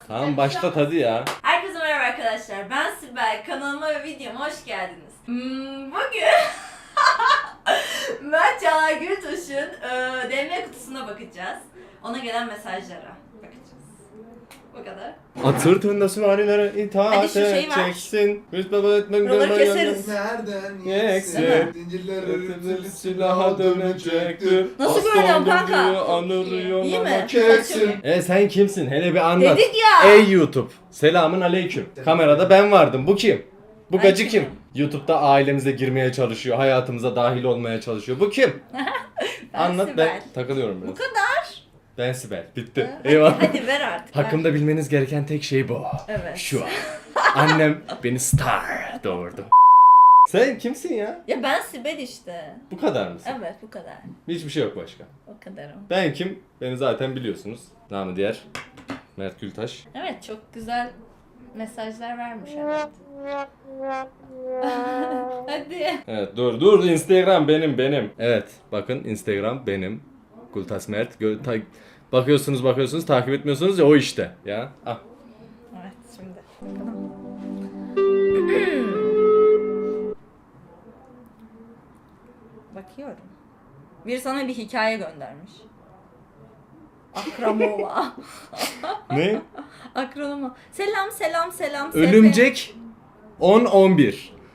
Tamam başlat hadi ya. Herkese merhaba arkadaşlar. Ben Sibel. Kanalıma ve videoma hoş geldiniz. Bugün Mert Çağlar Gültuş'un DM kutusuna bakacağız. Ona gelen mesajlara bakacağız. Bu kadar. Atır tında süvarilere itaat Hadi şu şeyi ver. edeceksin. Buraları keseriz. Nereden Yeksin. yeksin? Zincirler örtülü Silaha dönecektir. Nasıl Aslan görünüyorum kanka? gibi anırıyor İyi mi? ama Kessin. sen kimsin? Hele bir anlat. Dedik ya. Ey YouTube. Selamın aleyküm. Kamerada ben vardım. Bu kim? Bu Ben gacı kim? kimim? YouTube'da ailemize girmeye çalışıyor. Hayatımıza dahil olmaya çalışıyor. Bu kim? Ben Anlat Sibel. ben takılıyorum biraz. Bu kadar. Ben Sibel. Bitti. Hadi, Eyvallah. hadi ver artık. Hakkımda bilmeniz gereken tek şey bu. Evet. Şu an. Annem beni star doğurdu. Sen kimsin ya? Ya ben Sibel işte. Bu kadar mısın? Evet bu kadar. Hiçbir şey yok başka. O kadarım. Ben kim? Beni zaten biliyorsunuz. Namı diğer Mert Gültaş. Evet çok güzel mesajlar vermiş evet. Hadi. Evet dur Instagram benim. Evet bakın Instagram benim. Gültaş Mert. Bakıyorsunuz takip etmiyorsunuz ya o işte. Ya. Ah. Evet şimdi bakalım. Bakıyorum. Bir sana bir hikaye göndermiş. Akramova. Ne? Akramova. Selam. Ölümcek 10-11.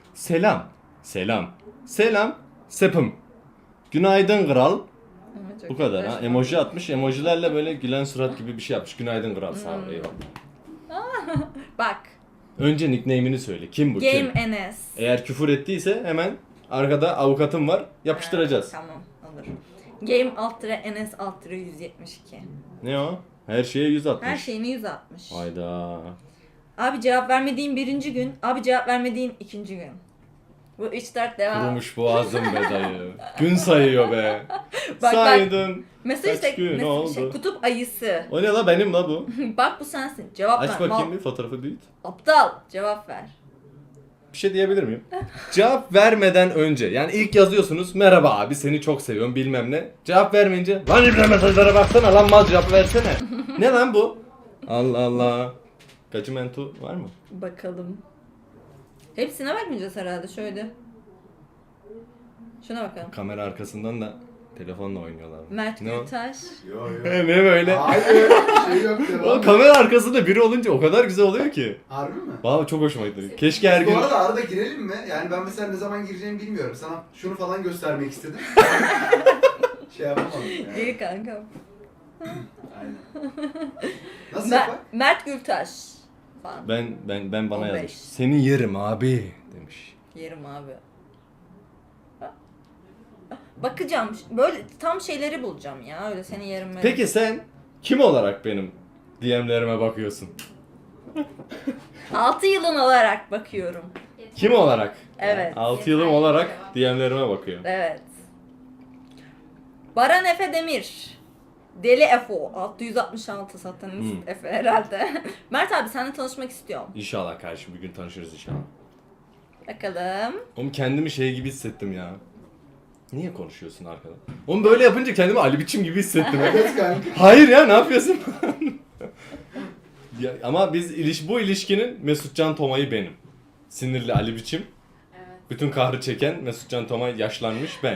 Selam. Sepim. Günaydın kral. Ama çok Bu kadar güzel. ha. Emoji atmış. Emojilerle böyle gülen surat gibi bir şey yapmış. Günaydın kral sağ ol eyvallah. Bak. Önce nickname'ini söyle. Kim bu? Game Kim? NS. Eğer küfür ettiyse hemen arkada avukatım var. Yapıştıracağız. Tamam olur. Game NS 172. Ne o? Her şeye 160. Her şeyini 160. Hayda. Abi cevap vermediğin birinci gün, abi cevap vermediğin ikinci gün. Bu 3-4 devam. Kurumuş boğazım be dayı. Gün sayıyor be. Bak. Saydın. Mesaj Kaç gün oldu? kutup ayısı. O ne la benim la bu. Bak bu sensin. Cevap Aç ver. bakayım bir fotoğrafı büyüt. Aptal. Cevap ver. Bir şey diyebilir miyim? Cevap vermeden önce yani ilk yazıyorsunuz merhaba abi seni çok seviyorum bilmem ne. Cevap vermeyince lan İbrahim mesajlara baksana lan mal cevap versene. Ne lan bu? Allah Allah. Gacımento var mı? Bakalım. Hepsine bakmayacağız herhalde şöyle. Şuna bakalım. Kamera arkasından da telefonla oynuyorlar. Mert Ne o? Gültaş. Yo yo. Ne böyle? Hayır şey yok O devam. kamera arkasında biri olunca o kadar güzel oluyor ki. Harbi mi? Vallahi çok hoşuma gitti. Keşke her gün... Bu arada arada girelim mi? Yani ben mesela ne zaman gireceğimi bilmiyorum. Sana şunu falan göstermek istedim. Şey yapamadım yani. İyi kanka. Aynen. Nasıl yapak? Mert Gültaş. Falan. Ben bana 15. yazmış. Seni yerim abi demiş. Yerim abi. Bakacağım. Böyle tam şeyleri bulacağım ya. Öyle seni yerim. Peki sen kim olarak benim DM'lerime bakıyorsun? 6 yılın olarak bakıyorum. Kim olarak? Evet. 6 yılım olarak DM'lerime bakıyor. Evet. Baran Efe Demir. Deli Efo. 666 satanist Efe herhalde. Mert abi seninle tanışmak istiyorum. İnşallah kardeşim bir gün tanışırız inşallah. Bakalım. Oğlum kendimi şey gibi hissettim ya. Niye konuşuyorsun arkada? Oğlum böyle yapınca kendimi Ali Biçim gibi hissettim. Evet kanka. Hayır ya ne yapıyorsun? Ya, ama bu ilişkinin Mesutcan Toma'yı benim. Sinirli Ali Biçim. Evet. Bütün kahrı çeken Mesutcan Tomay yaşlanmış ben.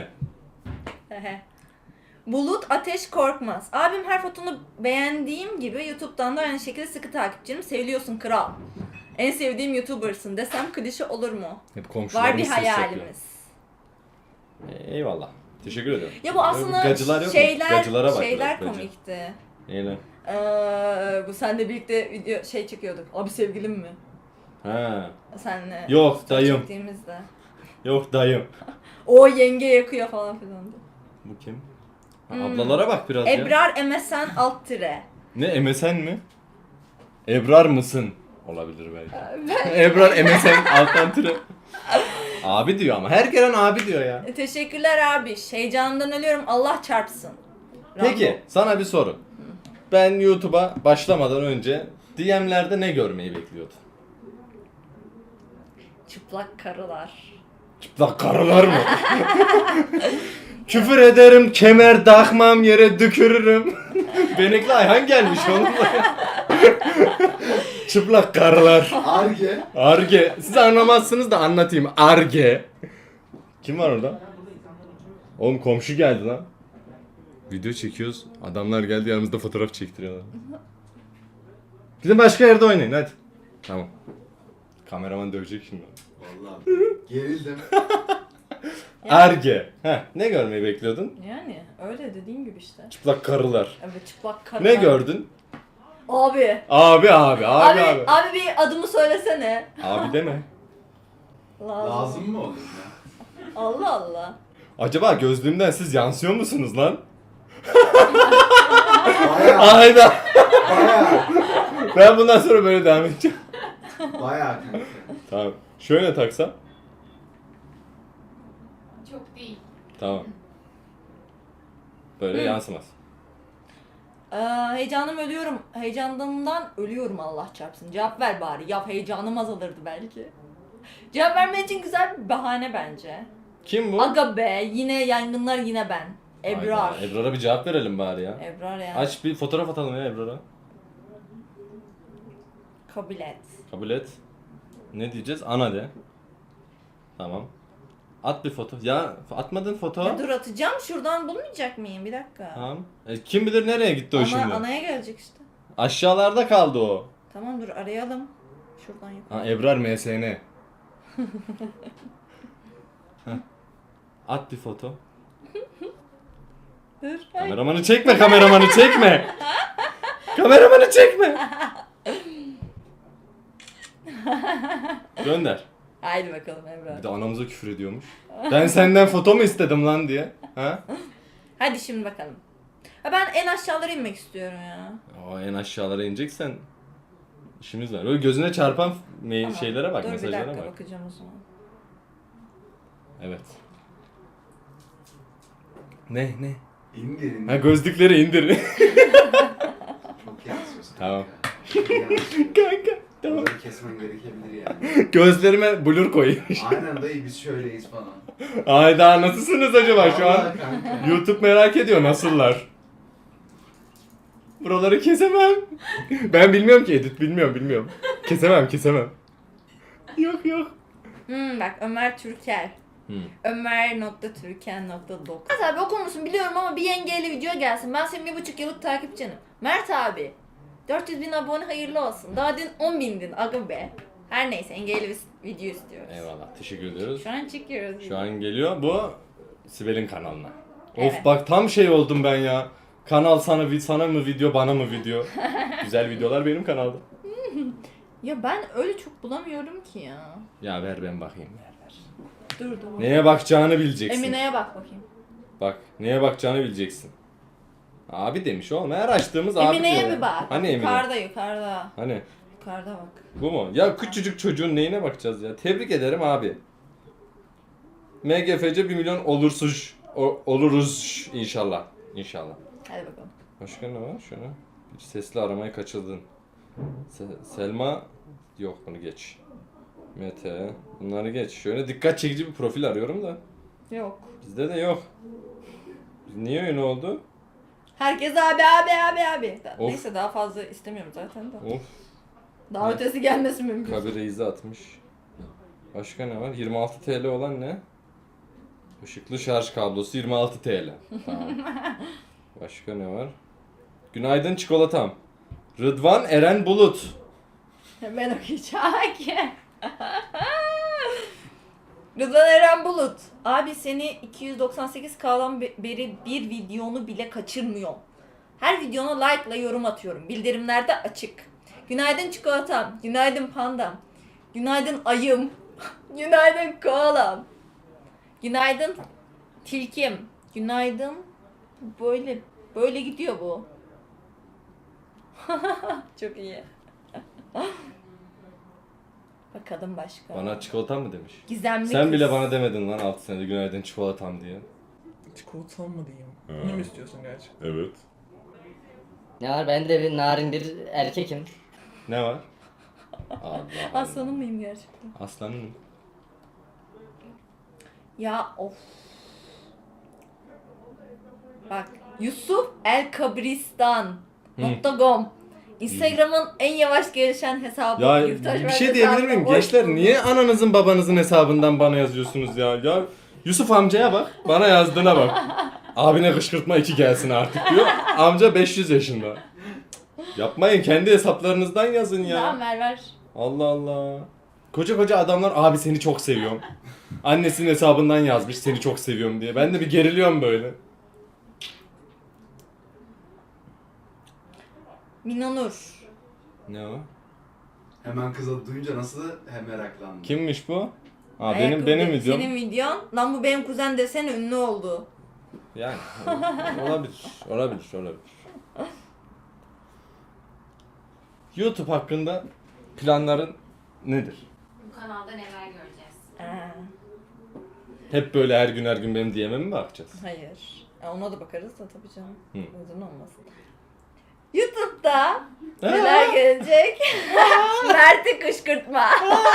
Bulut Ateş Korkmaz. Abim her fotonu beğendiğim gibi YouTube'dan da aynı şekilde sıkı takipçinim. Seviliyorsun kral. En sevdiğim YouTuber'sın desem klişe olur mu? Hep komşularımız Var bir ses yapıyor. hayalimiz. Eyvallah. Teşekkür ederim. Ya bu aslında Gacılar yok mu? şeyler Gacılara bak şeyler biraz, gacı. komikti. Neyle? Bu senle birlikte video çekiyorduk. Abi sevgilim mi? Ha. Senle. Yok, fotoğraf dayım. Çektiğimizde. Yok dayım. O yenge yakıyor falan filan. Bu kim? Ha, ablalara bak biraz ya. Ebrar MSN alt tire. Ne MSN mi? Ebrar mısın? Olabilir belki. Ebrar MSN alttan tire. Abi diyor ama. Her gelen abi diyor ya. Teşekkürler abi. Heyecandan ölüyorum. Allah çarpsın. Peki sana bir soru. Ben YouTube'a başlamadan önce DM'lerde ne görmeyi bekliyordun? Çıplak karılar. Çıplak karılar mı? Küfür ederim, kemer takmam, yere dökürürüm. Benekli Ayhan gelmiş oğlum. Çıplak karılar. Arge. Arge. Siz anlamazsınız da anlatayım. Arge. Kim var orada? Oğlum komşu geldi lan. Video çekiyoruz. Adamlar geldi yanımızda fotoğraf çektiriyorlar. Gidin başka yerde oynayın hadi. Tamam. Kameraman dövecek şimdi. Vallahi gerildim. Arge. Heh, ne görmeyi bekliyordun? Yani öyle dediğim gibi işte. Çıplak karılar. Evet çıplak karı. Ne gördün? Abi. Abi. Bir adımı söylesene. Abi deme. Lazım mı olur ya? Allah Allah. Acaba gözlüğümden siz yansıyor musunuz lan? Bayağı. Ayda. Bayağı. Ben bundan sonra böyle devam edeceğim. Bayağı kanka. Tamam. Şöyle taksam. Çok değil. Tamam. Böyle yansımaz. Heyecanımdan ölüyorum Allah çarpsın. Cevap ver bari. Ya heyecanım azalırdı belki. Cevap vermek için güzel bir bahane bence. Kim bu? Aga be yine yangınlar yine ben. Ebrar. Hayda, Ebrar'a bir cevap verelim bari ya. Ebrar ya. Aç bir fotoğraf atalım ya Ebrar'a. Kabul et. Kabul et. Ne diyeceğiz? Ana de. Tamam. At bir foto. Ya atmadın foto. Ya dur atacağım şuradan bulmayacak mıyım? Bir dakika. Tamam. Kim bilir nereye gitti o şimdi? Anaya gelecek işte. Aşağılarda kaldı o. Tamam dur arayalım. Şuradan yukarı. Ha Ebrar MSN. Heh. At bir foto. Dur. Kameramanı çekme, kameramanı çekme. Kameramanı çekme. Gönder. Haydi bakalım Ebrar. Bir de anamıza küfür ediyormuş. Ben senden foto mu istedim lan diye. Ha? Hadi şimdi bakalım. Ha ben en aşağılara inmek istiyorum ya. O en aşağılara ineceksen işimiz var. Öyle gözüne çarpan Tamam. şeylere bak, Dur bir mesajlara dakika bak. bakacağım o zaman. Evet. Ne? İndir indir. Ha gözlükleri indir. Çok yansıyorsun. Tamam. Yansıyor. Kanka. Tamam. Onları kesmen gerekebilir yani. Gözlerime blur koyayım. Aynen dayı biz şöyleyiz falan. Ayda nasılsınız acaba şu an? Vallahi kanka. YouTube merak ediyor nasıllar? Buraları kesemem. Ben bilmiyorum ki edit bilmiyorum. Kesemem. Yok. Bak Ömer Türker. Ömer.türken.9 Mert abi okur musun biliyorum ama bir yengeyle video gelsin. Ben senin 1,5 yıllık takipçinim. Mert abi 400.000 abone hayırlı olsun. Daha dün 10.000'din aga be. Her neyse engelli bir video istiyoruz. Eyvallah. Teşekkür ediyoruz. Şu an çekiyoruz. Şu an geliyor bu Sibel'in kanalına. Evet. Of bak tam şey oldum ben ya. Kanal sana mı video bana mı video? Güzel videolar benim kanalda. Ya ben öyle çok bulamıyorum ki ya. Ya ver ben bakayım ver. Dur. Neye bakacağını bileceksin. Emine'ye bak bakayım. Bak neye bakacağını bileceksin. Abi demiş oğlum her açtığımız abi Emine'ye diyor. bir bak. Hani Emine? Yukarıda. Hani Yukarıda bak. bu mu? Ya küçücük çocuğun neyine bakacağız ya? Tebrik ederim abi. MGFC 1 milyon oluruz inşallah. İnşallah. Hadi bakalım. Başka ne var? Şuna. Bir sesli aramayı kaçırdın. Selma yok bunu geç. Mete bunları geç. Şöyle dikkat çekici bir profil arıyorum da. Yok. Bizde de yok. Niye öyle oldu? Herkes abi. Of. Neyse daha fazla istemiyorum zaten de. Of. Daha ötesi gelmesi mümkün. Kabir Reis'i atmış. Başka ne var? 26 TL olan ne? Işıklı şarj kablosu 26 TL. Tamam. Başka ne var? Günaydın çikolatam. Rıdvan Eren Bulut. Hemen okuyacağım. Rıdvan Eren Bulut. Abi seni 298K'dan beri bir videonu bile kaçırmıyorum. Her videona like'la yorum atıyorum. Bildirimler de açık. Günaydın çikolatam. Günaydın pandam. Günaydın ayım. Günaydın koalam. Günaydın tilkim. Günaydın. Böyle gidiyor bu. Çok iyi. Bakalım başka. Bana çikolatam mı demiş? Gizemli Sen kız. bile bana demedin lan 6 senede günaydın çikolatam diye. Çikolatam mı diyeyim? Bunu mu istiyorsun gerçekten? Evet. Ne var? Ben de bir narin bir erkekim. Ne var? Allah Aslanım mıyım gerçekten? Aslanım. Ya of. Bak Yusuf El Kabristan. .com Instagram'ın en yavaş gelişen hesabı. Ya Yurttaş bir Mert şey diyebilir hesabına miyim? hoş Gençler bulduk. niye ananızın babanızın hesabından bana yazıyorsunuz ya? Ya Yusuf amcaya bak, bana yazdığına bak. Abine kışkırtma 2 gelsin artık diyor. Amca 500 yaşında. Yapmayın, kendi hesaplarınızdan yazın ya. Tamam ver. Allah Allah. Koca koca adamlar abi seni çok seviyorum. Annesinin hesabından yazmış seni çok seviyorum diye. Ben de bir geriliyorum böyle. Minonur. Ne o? Hemen kızı duyunca nasıl hem meraklandım. Kimmiş bu? Aa, Ayakkabı benim de- videom. Senin videon. Lan bu benim kuzen desene ünlü oldu. Yani olabilir. YouTube hakkında planların nedir? Bu kanalda neler göreceğiz? Hep böyle her gün benim DM'e mi bakacağız? Hayır. Ona da bakarız da tabii canım. Hı. Uzun olmasın. YouTube'da neler gelecek? Mert'i kışkırtma.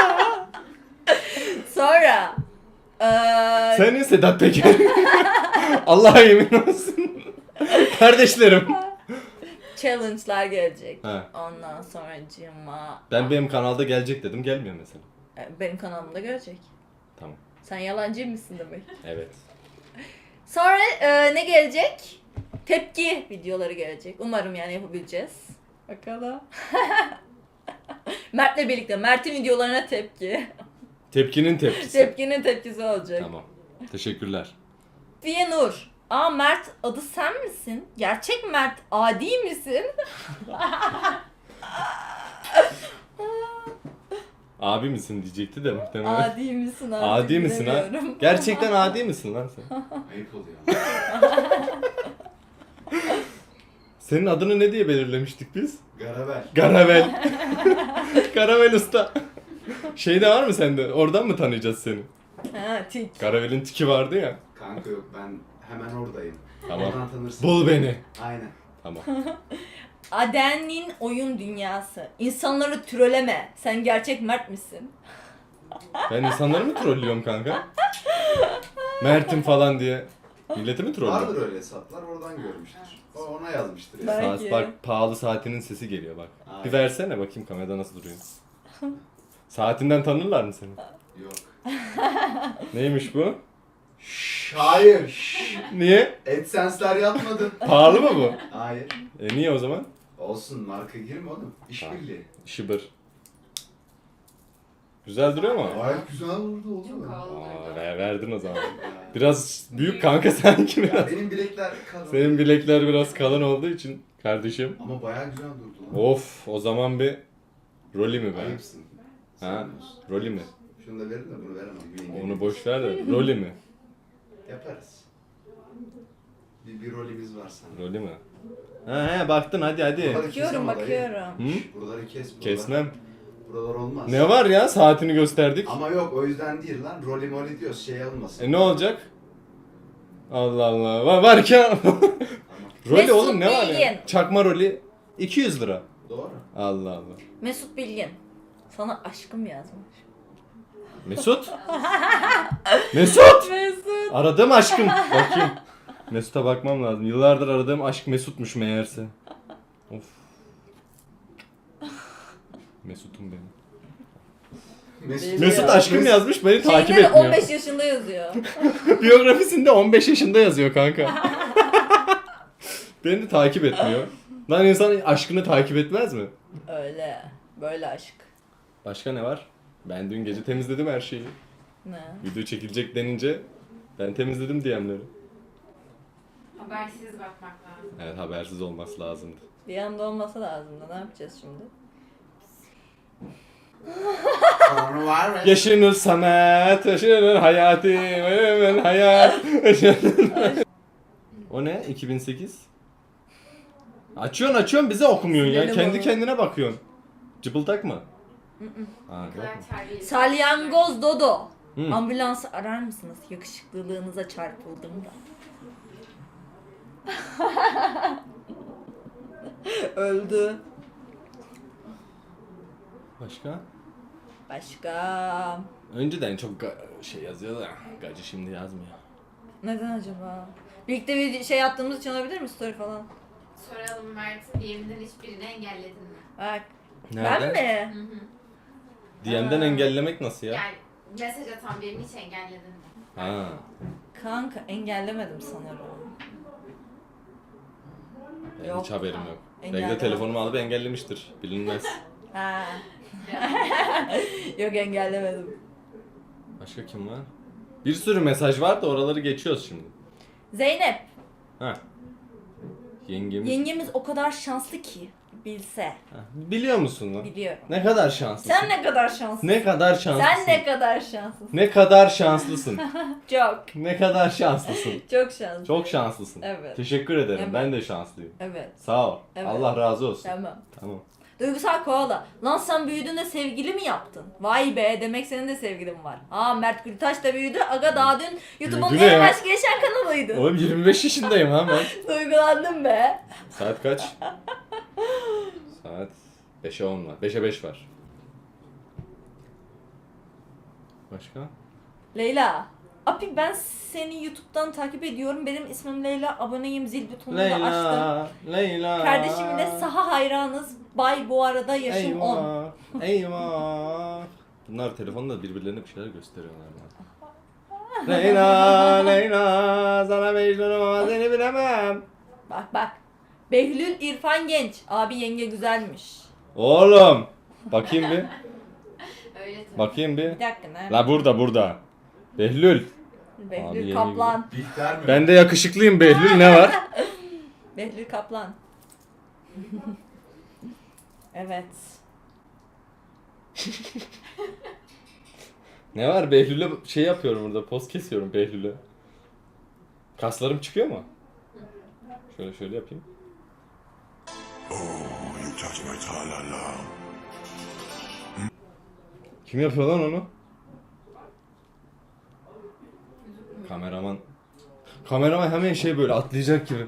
Sonra Senin Sedat Peker. Allah'a yemin olsun. Kardeşlerim. challenge'lar gelecek. He. Ondan sonra cima. Ben benim kanalda gelecek dedim, gelmiyor mesela. Benim kanalımda gelecek. Tamam. Sen yalancı mısın demek. Evet. Sonra ne gelecek? Tepki videoları gelecek. Umarım yani yapabileceğiz. Bakalım. Mert'le birlikte. Mert'in videolarına tepki. Tepkinin tepkisi. Tepkinin tepkisi olacak. Tamam. Teşekkürler. Fiye Nur. Aa Mert adı sen misin? Gerçek Mert adi misin? Abi misin diyecekti de muhtemelen. Adi misin artık Adi misin ha? bilemiyorum. Gerçekten adi misin lan sen? Ayıp oluyor. Senin adını ne diye belirlemiştik biz? Garaber. Garavel. Garavel usta. Şeyde var mı sende? Oradan mı tanıyacağız seni? Ha tik. Garavel'in tiki vardı ya. Kanka yok ben hemen oradayım. Tamam. Oradan tanırsın. Bul beni. Aynen. Tamam. Aden'in oyun dünyası. İnsanları troleme. Sen gerçek Mert misin? Ben insanları mı trollüyorum kanka? Mert'im falan diye. Milleti mi trollüyorum? Vardır öyle hesaplar oradan görmüştür. O ona yazmıştır ya. Ben- Saat Belki. bak, pahalı saatinin sesi geliyor bak. Aynen. Bir versene bakayım kamerada nasıl duruyor. Saatinden tanırlar mı seni? Yok. Neymiş bu? Hayır. Niye? AdSense'ler yapmadı. Pahalı mı bu? Hayır. Niye o zaman? Olsun marka girme oğlum. İşbirliği. Şıbır. Güzel duruyor mu? Gayet güzel oldu Çok oldu mu? havalı Aa, durdu. verdin o zaman. Biraz büyük kanka sanki Ya biraz. benim bilekler kalın. Senin bilekler biraz kalın olduğu için kardeşim. Ama bayağı güzel durdu lan. Of, o zaman bir rolü mü be? Ayıpsın. Ha? Sevmiyorsun. Rolü mü? Şunu da verin de bunu veremem. Bu yenge. Onu boş ver de rolü mü? Yaparız. Bir rolümüz var sana. Rolü mü? He baktın hadi. Buraları kes Bakıyorum ama dayı. bakıyorum. Hı? Şş, buraları kes. Buralar, Kesmem. Buralar olmaz. Ne var ya, saatini gösterdik. Ama yok o yüzden değil lan. Rolü moli diyoruz şey olmasın. Ne olacak? Allah Allah. Var ki. Rolü Mesut oğlum ne var Bilgin. ya? Çakma rolü 200 lira. Doğru. Allah Allah. Mesut Bilgin. Sana aşkım yazmış. Mesut? Mesut! Mesut. Aradığım aşkım. Bakayım. Mesut'a bakmam lazım. Yıllardır aradığım aşk Mesut'muş meğerse. Of. Mesut'um benim. Mesut. Mesut aşkım yazmış, beni takip Şeyde de etmiyor. 15 yaşında yazıyor. Biyografisinde 15 yaşında yazıyor kanka. Beni de takip etmiyor. Lan insan aşkını takip etmez mi? Öyle. Böyle aşk. Başka ne var? Ben dün gece temizledim her şeyi. Ne? Video çekilecek denince ben temizledim DM'leri. Habersiz bakmak lazım. Evet, habersiz olması lazımdı. Bir anda olmasa lazımdı. Ne yapacağız şimdi? Tanrı var mı? Yaşınız Samet, yaşınız hayatı, benim hayat. O ne? 2008? Açıyorsun bize okumuyorsun ya. Silelim Kendi onu. kendine bakıyorsun. Cıbıldak mı? Ha, Ne yok kadar mu? terbiyeli. Salyangoz Dodo. Hı. Ambulansı arar mısınız? Yakışıklılığınıza çarpıldım da. Öldü. Başka? Başka. Önceden çok şey yazıyor da gacı şimdi yazmıyor. Neden acaba? Birlikte bir şey yaptığımız için olabilir mi? Story falan. Soralım Mert, DM'den hiçbirini engelledin mi? Bak. Nerede? Ben mi? Hı hı. DM'den engellemek nasıl ya? Yani mesaj atan birini hiç engelledin mi? Ha. Kanka engellemedim sanırım. Benim Yok. hiç haberim yok. Belki de Engellemedim. telefonumu alıp engellemiştir. Bilinmez. Ha. Yok engellemedim. Başka kim var? Bir sürü mesaj var da oraları geçiyoruz şimdi. Zeynep. Ha. Yengemiz. Yengemiz o kadar şanslı ki. Bilse. Ha, biliyor musun lan? Biliyorum. Ne kadar şanslısın. Sen ne kadar şanslısın. Ne kadar şanslısın. Sen ne kadar şanslısın. Ne kadar şanslısın. Çok. Ne kadar şanslısın. Çok şanslı. Çok şanslısın. Evet. Teşekkür ederim. Evet. Ben de şanslıyım. Evet. Sağ ol. Evet. Allah razı olsun. Tamam. Tamam. Duygusal koala. Lan sen büyüdüğünde sevgili mi yaptın? Vay be demek senin de sevgilin var. Aa Mert Gültaş da büyüdü. Aga daha dün YouTube'un Büyüdü ne en ya? baş geçen kanalıydı. Oğlum 25 yaşındayım ha ben. Duygulandım be. Saat kaç? Saat 5'e 10 var. 5'e 5 var. Başka? Leyla. Abi ben seni YouTube'dan takip ediyorum. Benim ismim Leyla. Aboneyim. Zil butonunu da açtım. Leyla, Leyla. Kardeşim de saha hayranız. Bay bu arada yaşım 10. Eyvah, eyvah. Bunlar telefonda birbirlerine bir şeyler gösteriyorlar bana. Leyla, Leyla, sana Mecnun'um ama seni bilemem. Bak bak. Behlül İrfan Genç. Abi yenge güzelmiş. Oğlum, bakayım bir, Öyle tabii. bakayım bir. Bir dakika ne? La burada. Behlül. Abi Behlül yenge Kaplan. Bihter mi? Ben de yakışıklıyım Behlül, ne var? Behlül Kaplan. Evet. Ne var Behlül'e şey yapıyorum burada, poz kesiyorum Behlül'e. Kaslarım çıkıyor mu? Şöyle yapayım. You touch my tra-la-la. Kim yapıyor lan onu? Kameraman. Kameraman hemen şey böyle atlayacak gibi.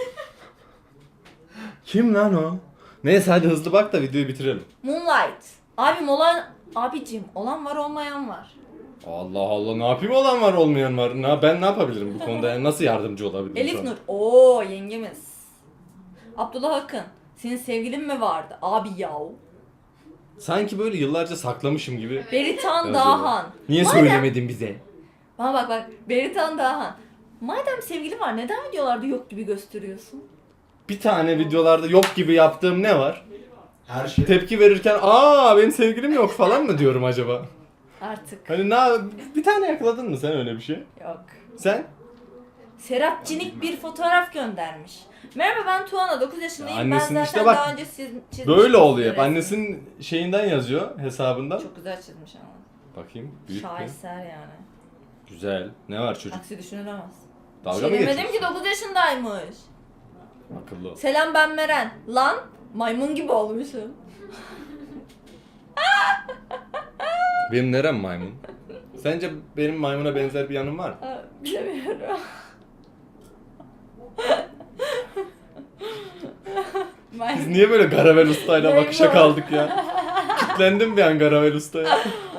Kim lan o? Neyse hadi hızlı bak da videoyu bitirelim. Moonlight. Abim olan... Abicim olan var olmayan var. Allah Allah, ne yapayım, olan var olmayan var. Ben ne yapabilirim bu konuda, yani nasıl yardımcı olabilirim şu Elif an? Nur. Oo yengemiz. Abdullah Akın. Senin sevgilin mi vardı? Abi yav. Sanki böyle yıllarca saklamışım gibi. Beritan yazıyorlar. Dağhan. Niye Madem- söylemedin bize? Bana bak. Beritan Dağhan. Madem sevgili var neden videolarda yok gibi gösteriyorsun? Bir tane videolarda yok gibi yaptığım ne var? Her şey. Tepki verirken benim sevgilim yok falan mı diyorum acaba? Artık. Hani bir tane yakaladın mı sen öyle bir şey? Yok. Sen? Serap Cinik bir fotoğraf göndermiş. Merhaba ben Tuana 9 yaşındayım. Ya Ben annesinin zaten işte bak, daha önce çizmiştim. Böyle oluyor hep. resmi. Annesinin şeyinden yazıyor, hesabından. Çok güzel çizmiş ama. Bakayım. Büyük bir. Şaheser yani. Güzel. Ne var çocuk? Aksi düşünülemez. Dalga Şey mı demedim ki geçiyorsun? 9 yaşındaymış. Akıllı ol. Selam ben Meren. Lan maymun gibi olmuşum. Benim nerem maymun? Sence benim maymuna benzer bir yanım var mı? Ha, bilemiyorum. Biz Maymun. niye böyle Garavel Usta'yla Maymun. bakışa kaldık ya? Kitlendim bir an Garavel Usta'ya.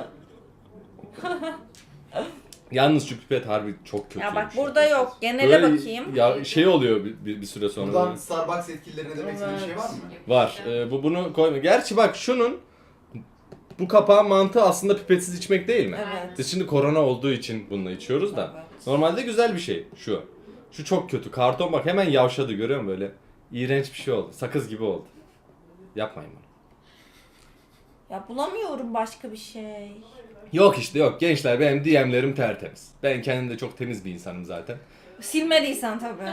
Yalnız şu pipet harbi çok kötü. Ya bak burada yok. Genele bakayım. Ya şey oluyor bir süre sonra. Buradan böyle. Starbucks yetkililerine demek istediğin bir şey var mı? Var. Bunu koyma. Gerçi bak şunun bu kapağın mantığı aslında pipetsiz içmek değil mi? Evet. Biz şimdi korona olduğu için bununla içiyoruz da. Evet. Normalde güzel bir şey şu. Şu çok kötü. Karton bak hemen yavşadı, görüyor musun böyle? İğrenç bir şey oldu. Sakız gibi oldu. Yapmayın bunu. Ya bulamıyorum başka bir şey. Yok işte yok. Gençler benim DM'lerim tertemiz. Ben kendim de çok temiz bir insanım zaten. Silmediysen tabii.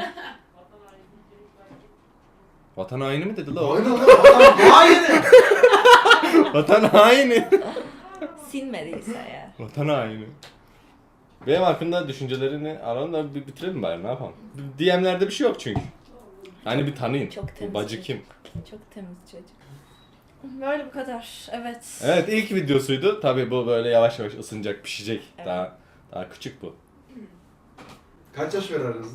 Vatan haini mi dedi la o? Aynen lan adam hayır. Vatan haini. Silmediyse ya. Vatan haini. Benim hakkında düşüncelerini alalım da bir bitirelim bari, ne yapalım. DM'lerde bir şey yok çünkü. Hani bir tanıyın. Çok Bu temiz bacı çocuk. kim? Çok temiz çocuk. Böyle bu kadar. Evet. Evet, ilk videosuydu. Tabii bu böyle yavaş yavaş ısınacak, pişecek. Evet. Daha küçük bu. Kaç yaş var aranızda?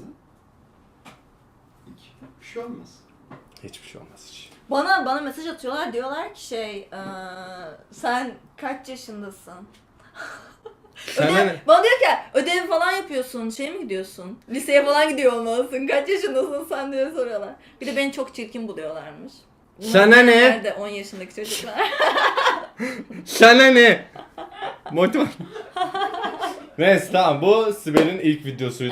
2. Bir şey olmaz. Hiçbir şey olmaz hiç. Bana mesaj atıyorlar diyorlar ki sen kaç yaşındasın? Sen Bana diyor ki ödev falan yapıyorsun, şey mi gidiyorsun? Liseye falan gidiyor olmalısın. Kaç yaşındasın sen diye soruyorlar. Bir de beni çok çirkin buluyorlarmış. Sana ne? Nerede 10 yaşındaki çocuklar? Sana ne? Motivasyon. Neyse tamam, bu Sibel'in ilk videosuydu.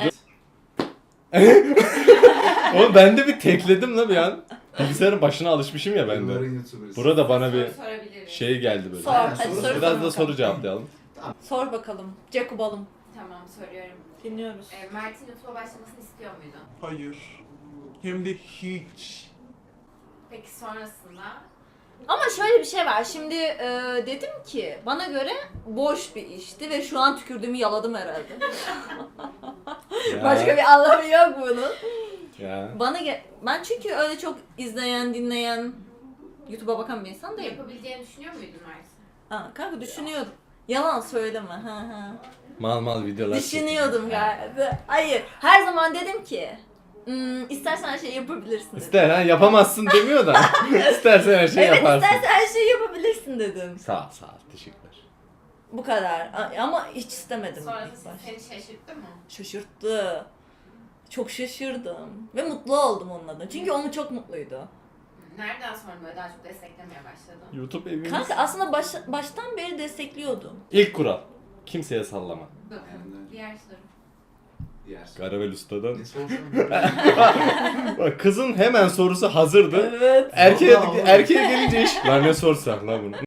Oğlum ben de bir tekledim la bir an. Bilgisayarın başına alışmışım ya ben de. Yılların YouTuber'ı. Burada bana bir Soru sorabiliriz. şey geldi böyle. Sor. Aynen, Hadi soru sor. sor. Biraz da soru cevaplayalım. Sor bakalım. Jacobalım. Tamam soruyorum. Dinliyoruz. Mert'in YouTube'a başlamasını istiyor muydun? Hayır. Hem de hiç. Peki sonrasında? Ama şöyle bir şey var. Şimdi dedim ki bana göre boş bir işti ve şu an tükürdüğümü yaladım herhalde. Ya, Başka bir anlamı yok bunun. ya. Ben çünkü öyle çok izleyen, dinleyen, YouTube'a bakan bir insan değilim. Yapabileceğini düşünüyor muydun Mert? Ha, kanka düşünüyordum. Yalan söyleme. Ha. Mal videolar Düşünüyordum galiba. Hayır. Her zaman dedim ki istersen her şeyi yapabilirsin dedim. İster ha, yapamazsın demiyor da. İstersen her şeyi Evet, yaparsın. istersen her şeyi yapabilirsin dedim. Sağ ol, teşekkürler. Bu kadar. Ama hiç istemedim. Sonrası ilk başta. seni şaşırttı mı? Şaşırttı. Çok şaşırdım. Ve mutlu oldum onun adına. Çünkü onu çok mutluydu. Nereden sonra böyle daha çok desteklemeye başladın? YouTube evimiz. Kanka aslında baştan beri destekliyordum. İlk kural. Kimseye sallama. Aynen. Diğer soru. Diğer soru. Garavel Usta'dan. Ne sorsam? Bak kızın hemen sorusu hazırdı. Evet. Erkeğe, Vallahi. erkeğe gelince iş. Lan ne sorsak la bunu.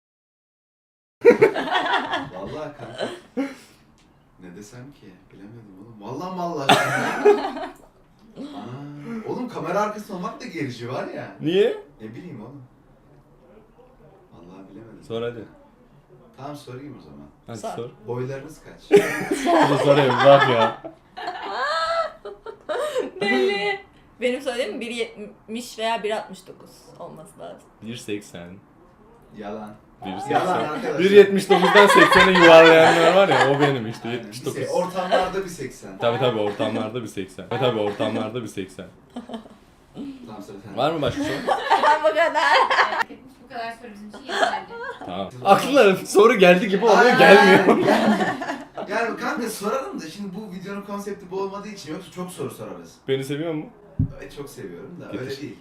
Vallahi kanka. Ne desem ki? Bilemedim oğlum. Vallahi. Ana. Oğlum kamera arkasında olmak da gerici var ya. Niye? Ne bileyim oğlum. Vallahi bilemedim. Sor hadi. Tamam sorayım o zaman. Hadi Sor. sor. Boylarınız kaç? Hadi sorayım bak ya. Belli. Benim söylediğim 1.70 veya 1.69 olması lazım. 1.80. Yalan. 1.80. Yalan arkadaşlar. 1.79'dan 80'e yuvarlayanlar var ya, o benim işte. Aynen. 79. Ortamlarda bir 80. Tabi ortamlarda bir 80. Tabi ortamlarda bir 80. Tamam söyle sen. Var mı başka soru? Bu kadar. Bu kadar soru bizim için yeterli. Tamam. Aklına soru geldi gibi oluyor, Aynen. gelmiyor. Yani kanka sorarım da şimdi bu videonun konsepti bu olmadığı için yoksa çok soru sorarız. Beni seviyor mu? Evet çok seviyorum da Getir. öyle değil.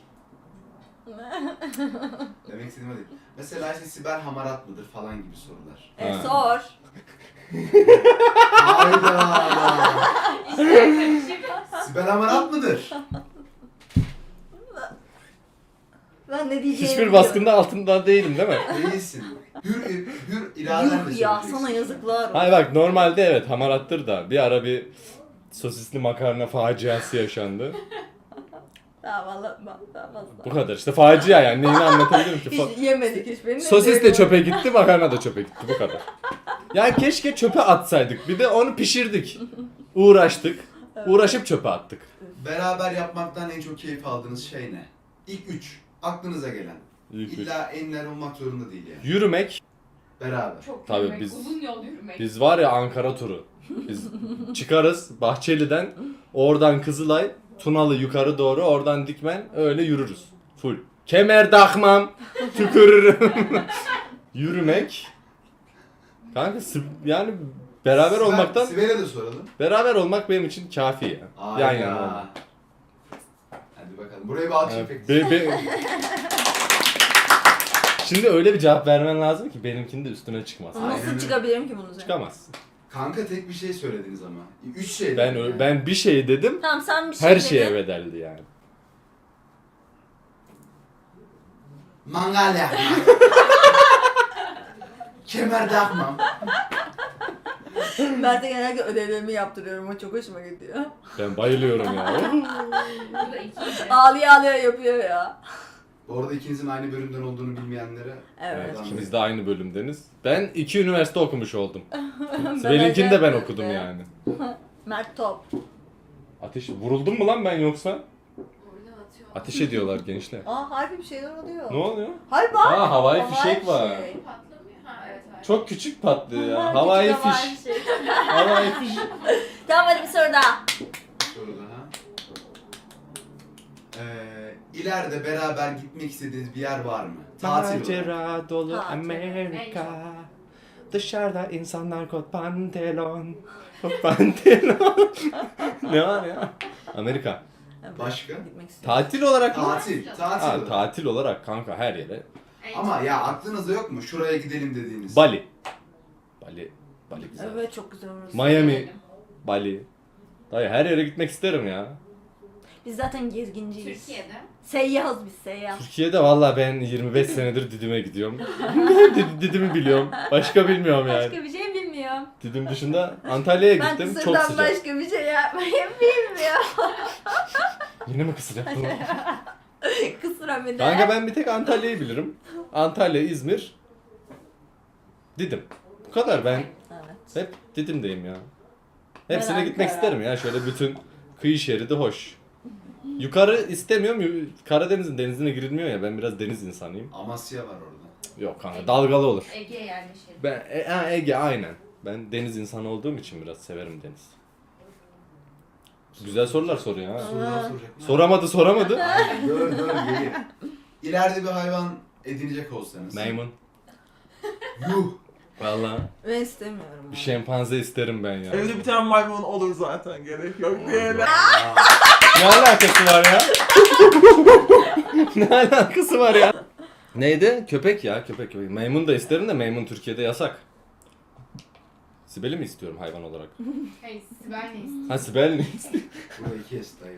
Demek istediğim o değil. Mesela işte Sibel hamarat mıdır falan gibi sorular. Ha. Sor. Hayda. Sibel hamarat mıdır? Ben ne diyeceğimi Hiçbir biliyorum. baskında altında değilim değil mi? Değilsin. Hür iradenle Yuh ya söyleyeceksin. sana yazıklar olsun. Hayır bak, normalde evet hamarattır da bir ara bir sosisli makarna faciası yaşandı. Daha valla daha Bu kadar işte, facia yani, neyini anlatabilirim ki? Hiç yemedik hiçbirini. Sosis de çöpe gitti, makarna da çöpe gitti, bu kadar. Yani keşke çöpe atsaydık, bir de onu pişirdik. Uğraştık, uğraşıp çöpe attık. Beraber yapmaktan en çok keyif aldığınız şey ne? İlk 3. Aklınıza gelen. İlk üç. İlla enler olmak zorunda değil yani. Yürümek, Beraber. Çok Tabii yürümek, biz- uzun yol yürümek. biz var ya Ankara turu. Biz çıkarız Bahçeli'den, oradan Kızılay, Tunalı yukarı doğru, oradan Dikmen, öyle yürürüz. Full. Kemer takmam, tükürürüm. Yürümek. Kanka yani beraber olmaktan, Sibel'e de soralım. beraber olmak benim için kafi ya. Yan yana olmak. Hadi bakalım. Buraya bir alkış Evet, efekti. Şimdi öyle bir cevap vermen lazım ki benimkinin de üstüne çıkmaz. Aynen. Nasıl çıkabilirim ki bunun üzerine? Çıkamazsın. Kanka tek bir şey söylediniz ama. 3 şey dedin yani. Ben bir şey dedim, Tamam sen bir şey her dedin. şeye bedeldi yani. Mangal yakmak. Kemer takmam. Ben de genelde ödevlerimi yaptırıyorum. O çok hoşuma gidiyor. Ben bayılıyorum ya. Bu da ikiydi. Ağlaya ağlaya yapıyor ya. Bu arada ikinizin aynı bölümden olduğunu bilmeyenlere Evet. Evet, Oradan ikimiz bir- de aynı bölümdeniz. Ben 2 üniversite okumuş oldum. Ben Benimkini de ben öyle okudum yapıyorum. yani. Mert Top. Ateş, vuruldum mu lan ben yoksa? Burada atıyor. Ateş ediyorlar gençler. Harbi bir şeyler oluyor. Ne oluyor? Harbi bak. Aa, havai Havai fişek var. fişek. Patlamıyor. Ha evet evet. Çok küçük patlıyor ya. Küçük Havai havai fiş. fişek. Havai fiş. Tamam hadi bir soru daha. soru daha. İleride beraber gitmek istediğiniz bir yer var mı? Tatil olarak. Macera dolu Tatil. Amerika. Dışarıda insanlar kot pantolon. Kot pantolon. Ne var ya? Amerika. Evet, Başka? Gitmek istiyorum. Tatil olarak mı? Tatil. Tatil. Ha, olarak. tatil olarak kanka her yere. Ama ya aklınızda yok mu? Şuraya gidelim dediğiniz. Bali. Bali güzel. Evet çok güzel orası. Miami. Bali. Dayı her yere gitmek isterim ya. Biz zaten gezginciyiz. Türkiye'de. Seyyahız biz seyyah. Türkiye'de valla ben 25 senedir Didim'e gidiyorum. Didim'i biliyorum. Başka bilmiyorum yani. Başka bir şey bilmiyorum. Didim dışında Antalya'ya Ben gittim. Çok kısırdan sıcak. başka bir şey yapmayı bilmiyorum. Yine mi kısır yaptın? Kısıra bir de. Kanka ben bir tek Antalya'yı bilirim. Antalya, İzmir, Didim. Bu kadar ben Evet. hep Didim'deyim ya. Hepsine Ben gitmek Ankara. isterim ya. Şöyle bütün kıyı şeridi hoş. Yukarı istemiyorum. Karadeniz'in denizine girilmiyor ya. Ben biraz deniz insanıyım. Amasya var orada. Yok kanka dalgalı olur. Ege'ye yerleşelim. Ben Ege aynen. Ben deniz insanı olduğum için biraz severim deniz. Güzel sorular soruyor ha. Sorular soracak. Soramadı. Aynen, dur geliyor. İleride bir hayvan edinecek olsanız. Maymun. Yuh. Valla Ben istemiyorum. bir şempanze isterim ben ya. Evde bir tane maymun olur zaten, gerek yok diyelim. Ne alakası var ya? Ne alakası var ya? Neydi? Köpek ya köpek. Maymun da isterim de maymun Türkiye'de yasak. Sibel'i mi istiyorum hayvan olarak? Hey, Sibel ne istiyor? Ha Sibel ne istiyor? Burayı kes dayı.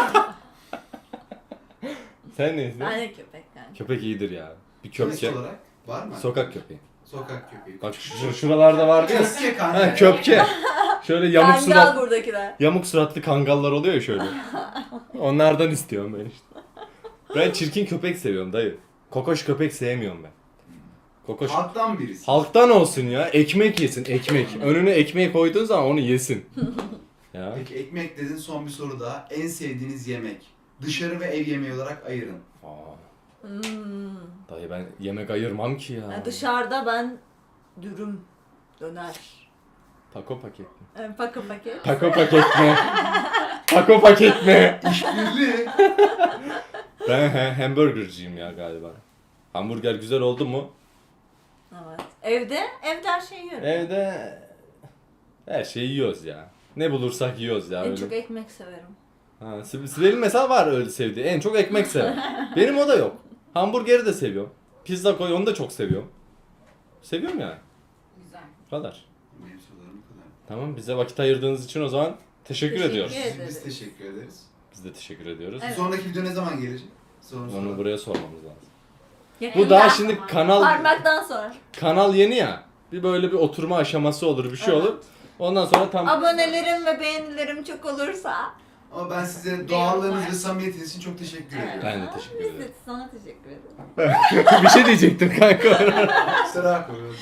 Sen ne istiyorsun? Ben de köpek yani. Köpek iyidir ya. Bir Köpek köpke. olarak var mı? Sokak köpeği. Sokak köpeği. Bak şuralarda vardı ya. Köpke kanka. Ha köpke. Şöyle yamuk Kangal surat, buradakiler. yamuk suratlı kangallar oluyor ya şöyle. Onlardan istiyorum ben işte. Ben çirkin köpek seviyorum dayı. Kokoş köpek sevmiyorum ben. Kokoş. Halktan birisi. Halktan olsun ya. Ekmek yesin ekmek. Önüne ekmeği koyduğun zaman onu yesin. Ya. Peki ekmek dedin, son bir soru daha. En sevdiğiniz yemek. Dışarı ve ev yemeği olarak ayırın. Aa, Hmm. dayı ben yemek ayırmam ki ya. Yani dışarıda ben dürüm, döner, Taco paket mi? paka paket. Taco paket mi? Taco paket mi? İşbirliği. Ben hamburgerciyim ya galiba. Hamburger güzel oldu mu? Evet. Evde her şeyi yiyorum. Evde her şeyi yiyoruz ya. Ne bulursak yiyoruz ya En öyle. çok ekmek severim. Ha, Sibel'in mesela var öyle sevdiği. En çok ekmek sever. Benim o da yok. Hamburgeri de seviyorum. Pizza koy onu da çok seviyorum. Seviyorum yani. Güzel. Bu kadar. Benim sorularım bu kadar. Tamam bize vakit ayırdığınız için o zaman teşekkür Teşekkür ediyoruz. ederim. Biz teşekkür ederiz. Biz de teşekkür ediyoruz. Evet. Sonraki video ne zaman gelecek? Onu buraya sormamız lazım. Yakında. Bu daha şimdi Parmaktan sonra. kanal yeni ya. Bir böyle bir oturma aşaması olur, bir şey Evet. olur. Ondan sonra tam Abonelerim ve beğenilerim çok olursa. Ama ben size doğallığınız ve samimiyetiniz için çok teşekkür Evet. ediyorum. ben de teşekkür Biz de ederim. sana teşekkür ederim. Bir şey diyecektim kanka. Kusura koyuyorum.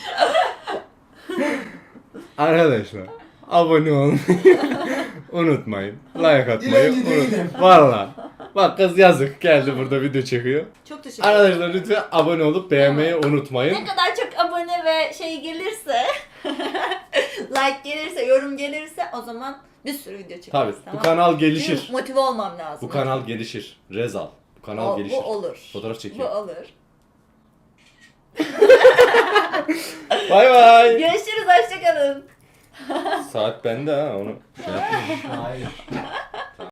Arkadaşlar abone olmayı unutmayın. Like atmayı Dilenci değilim. unutmayın. Valla. Bak kız yazık geldi burada video çekiyor. Çok teşekkür ederim. Arkadaşlar lütfen abone olup beğenmeyi unutmayın. Ne kadar çok abone ve şey gelirse, like gelirse, yorum gelirse o zaman bir sürü video çekeriz. Tabii tamam? bu kanal Çünkü gelişir. motive olmam lazım. Bu kanal gelişir. Rezal. Bu kanal gelişir. Bu olur. Fotoğraf Bu çekiyor. olur. Bay bay. Görüşürüz, hoşçakalın. Saat bende ha onu şey yapmayayım. Hayır.